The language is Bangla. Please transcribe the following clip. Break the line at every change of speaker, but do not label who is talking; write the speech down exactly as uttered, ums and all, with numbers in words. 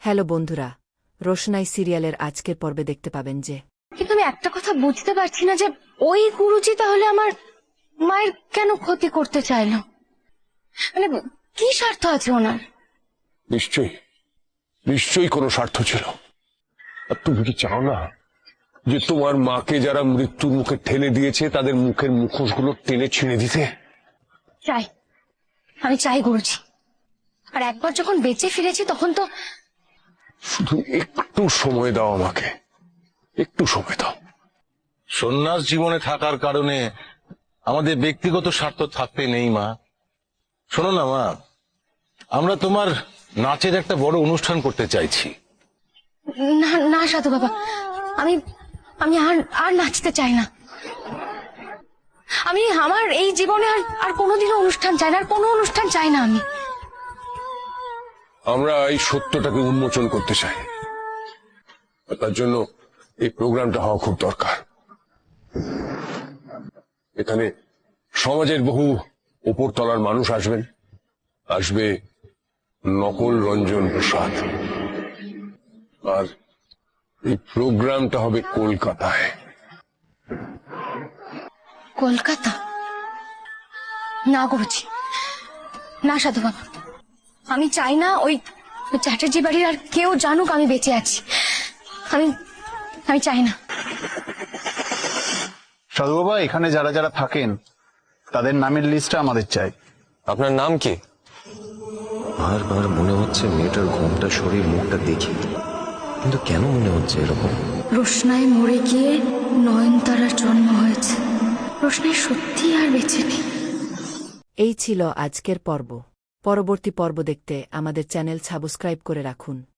হ্যালো বন্ধুরা, রোশনাই সিরিয়ালের আজকের পর্বে দেখতে পাবেন যে
কিন্তু আমি একটা কথা বুঝতে পারছি না যে ওই গুরুজি তাহলে আমার মায়ের কেন ক্ষতি করতে চাইলো। মানে কি স্বার্থ আছে ওনার?
নিশ্চয়ই নিশ্চয়ই কোনো স্বার্থ ছিল। আর তুমি কি চাও না যে তোমার মাকে যারা মৃত্যুর মুখে ঠেলে দিয়েছে তাদের মুখের মুখোশগুলো টেনে ছিঁড়ে দিতে?
চাই, আমি চাই গুরুজি। আর একবার যখন বেঁচে ফিরেছি তখন তো
শুধু একটু সময় দাও আমাকে, একটু সময় দাও।
সন্ন্যাস জীবনে থাকার কারণে আমাদের ব্যক্তিগত স্বার্থ থাকতে নেই মা। শোনো না মা, আমরা তোমার নাচের একটা বড় অনুষ্ঠান করতে চাইছি।
না না সাধু বাবা, আমি আমি আর আর নাচতে চাই না। আমি আমার এই জীবনে আর আর কোনোদিনও অনুষ্ঠান চাই না, আর কোনো অনুষ্ঠান চাই না আমি।
আমরা এই সত্যটাকে উন্মোচন করতে চাই, আর তার জন্য এই প্রোগ্রামটা হওয়া খুব দরকার। এখানে সমাজের বহু উপরতলার মানুষ আসবেন, আসবে নকল রঞ্জন প্রসাদ, আর এই প্রোগ্রামটা হবে কলকাতায়।
কলকাতা? না গুরুজি, না সাধু বাবা, আমি চাই না ওই চ্যাটার্জি বাড়ির আর কেউ জানুক আমি বেঁচে আছি। আমি আমি চাই না।
সাধু বাবা, এখানে যারা যারা থাকেন তাদের নামের লিস্টটা আমাদের চাই।
আপনার নাম কি?
বারবার মনে হচ্ছে মেয়েটার ঘুমটা শরীর মুখটা দেখি, কিন্তু কেন মনে হচ্ছে এরকম?
রোশনাই মরে গিয়ে নয়নতারার জন্ম হয়েছে। রোশনাই সত্যি আর বেঁচে নেই।
এই ছিল আজকের পর্ব। পরবর্তী পর্ব দেখতে আমাদের চ্যানেল সাবস্ক্রাইব করে রাখুন।